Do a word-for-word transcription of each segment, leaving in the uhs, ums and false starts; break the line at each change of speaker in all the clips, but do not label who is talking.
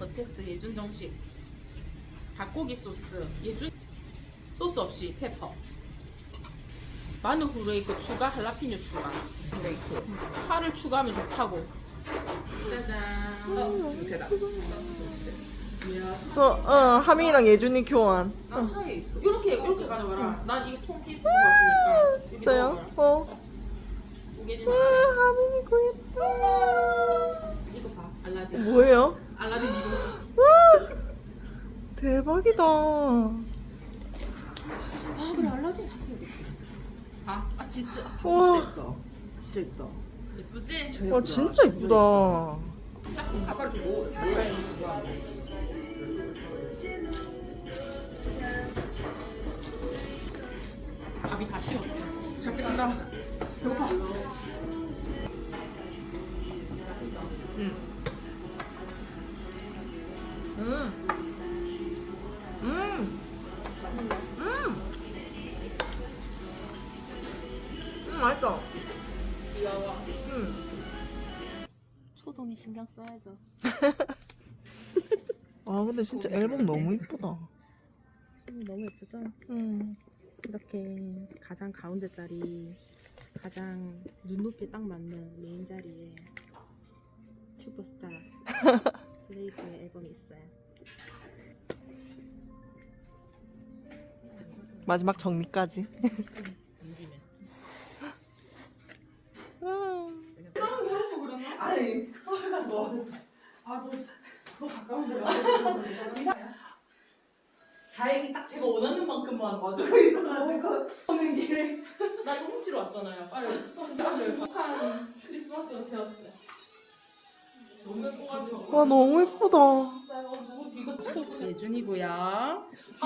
여텍스 예준 정식 닭고기 소스 예준 소스 없이 페퍼 마늘 후레이크 추가 할라피뇨 추가 후레이크 파를 추가하면 좋다고. 짜잔. 어, 중태다. 이야.
소, 어, 하민이랑 예준이 교환.
나 차에 있어. 이렇게 이렇게 가져가라. 난 이거 통 케이스 같으니까.
진짜요? 어.
우개지
아,
마.
하민이 구했다.
이거 봐. 알라딘.
뭐예요?
알라딘 이거.
와, 대박이다.
아 그래 알라딘 샀어야겠어. 아, 아 진짜.
와,
진짜 예쁘다.
예쁘지?
와 진짜 이쁘다.
아까 주고. 밥이 다 식었어. 잘 찍는다. 배고파. 응.
음. 음. 음. 음, 맛있다.
귀여워.
음.
초동이 신경 써야죠.
아, 근데 진짜 앨범 너무 이쁘다.
음, 너무 예쁘죠?
음.
이렇게 가장 가운데 자리, 가장 눈높이에 딱 맞는 메인 자리에 슈퍼스타 레이브의 앨범이 있어요.
마지막 정리까지.
아니 서울 가서 먹었어.
아, 너, 너 가까운 데가
다행히 딱 제가 원하는 만큼만 와주고 있어가지고 오는 길에.
나 이거 훔치러 왔잖아요. 빨리. 진짜 아주 행복한 크리스마스가 되었어요. 너무 예뻐가지고.
와, 너무 이쁘다.
예준이고요.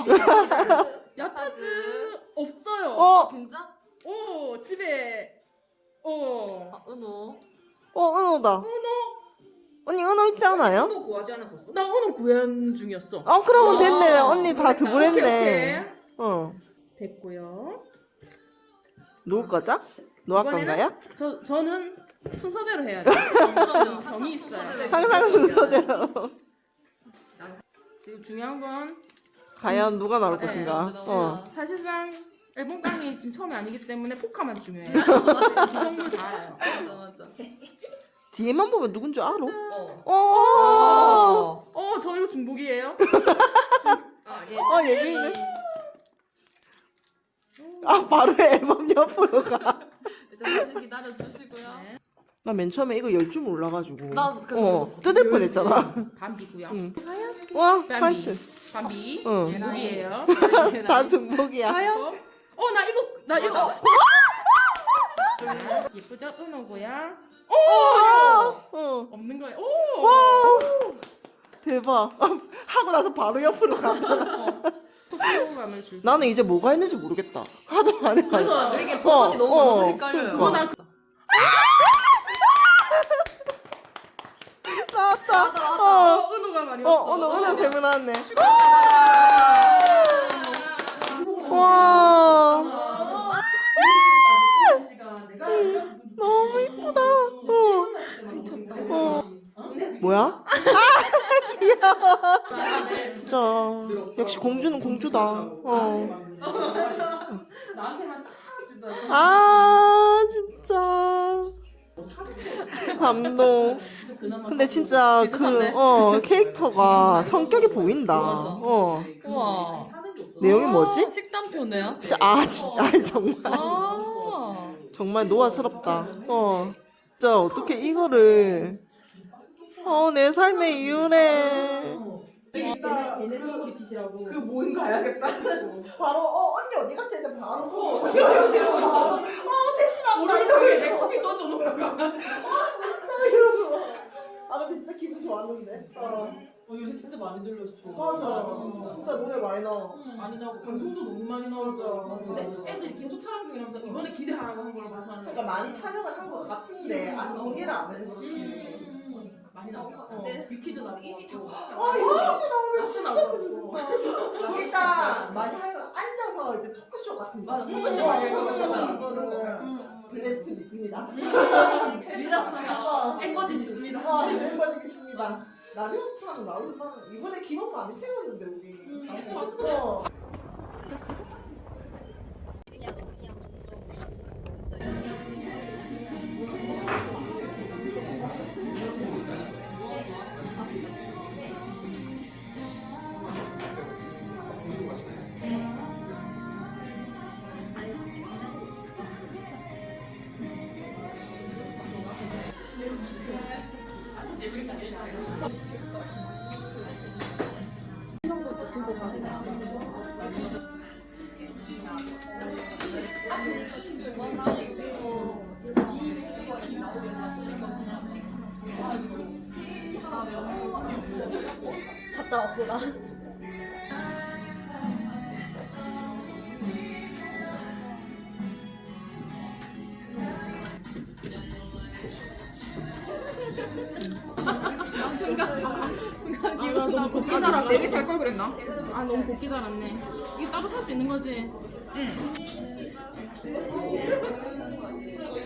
야타즈 없어요.
어,
진짜?
오, 집에. 오.
아, 은호.
어, 은호다.
은호.
언니 은호 있지 않아요?
은호 구하지 않았었어?
나 은호 구현 중이었어.
아, 그러면
어,
됐네. 언니 다
오케이,
드보랬네.
오케이.
어.
됐고요.
누울 거죠? 노할
이번에는
건가요?
저 저는 순서대로 해야죠.
그럼요.
병이 있어요.
항상 순서대로.
지금 중요한 건
과연 누가 나올
네,
것인가?
네,
어.
사실상 앨범 깡이 지금 처음이 아니기 때문에 포카만 중요해요. 이 정도 다 알아요.
맞아 맞아.
뒤에만 보면 누군 줄 알아?
어.
어.
어.
어, 저 이거 중복이에요?
아, 예.
어, 예준이는? 아, 바로 앨범 옆으로 가.
일단 잠시 기다려 주시고요.
네.
나 맨 처음에 이거 열 줄 몰라가지고.
나도 그래서
어, 뜯을 뻔했잖아.
밤비고요.
응. 와,
밤비.
화이트.
밤비.
응.
중복이에요.
다 중복이야.
어, 어, 나 이거 나 이거. 자, 예쁘죠? 은호고요. 오!
어.
없는 거예요. 오!
와, 대박. 하고 나서 바로 옆으로 가.
어. 속도감을 줄.
나는 이제 뭐가 있는지 모르겠다. 하도 안 해가지고.
그래서
이게 버전이
어,
너무
어,
많아서 헷갈려요.
그러니까.
어, 나
나왔다.
나왔다, 나왔다.
어,
어, 은호가 많이
어,
왔어.
오늘 은하 세분 나왔네.
와.
와, 너무 이쁘다. 어, 어. 뭐야? 아, 귀여워. 진짜. 역시 공주는 공주다. 어.
나한테만 딱 진짜.
아, 진짜. 감동. 근데 진짜 그,
비슷한데?
어, 캐릭터가 성격이 보인다.
맞아.
어.
우와.
내용이 뭐지?
식단표네요.
시- 아, 진짜. 아, 정말.
아.
정말 노화스럽다. 어. 진짜 어떻게 이거를. 어, 내 삶의 이유래.
얘네 쪼그리 빛이라고.
그 모임 가야겠다.
바로, 어, 언니 어디 갔지? 했는데 바로. 어,
세고 있어.
어, 대신한다.
오른쪽에 내 커피 떠줘놓고 가.
있어요. 아, 근데 진짜 기분 좋았는데. 어.
어, 요새 진짜 많이 들렸어.
맞아. 진짜 노래 많이 나와.
많이 나오고 방송도 너무 많이 나오죠.
맞아,
근데
맞아.
애들이 계속 촬영 중이라서 이번에 기대하라고 한 걸 봐서
그러니까 많이 촬영을 한 것 같은데 아직 공개를 안 했지.
많이 나오고.
어.
뮤퀴즈 나오고. 이미 다
아, 이거 퀴즈 나오면
낙수
진짜
나오고.
재밌다. 일단 많이 하여 앉아서 이제 토크쇼 같은 거.
맞아, 토크쇼 많이 해요.
토크쇼
맞아.
같은 거는 블레스트 있습니다.
헬스장 앵거지 있습니다.
아, 멤버들 있습니다. 라디오스타는 나올만 이번에 기록 많이 세웠는데 우리. 어.
갔다 왔구나.
아, 너무 곱게 자라. 내게 살 걸 그랬나? 아, 너무 곱게 자랐네. 이게 따로 살 수 있는 거지? 응.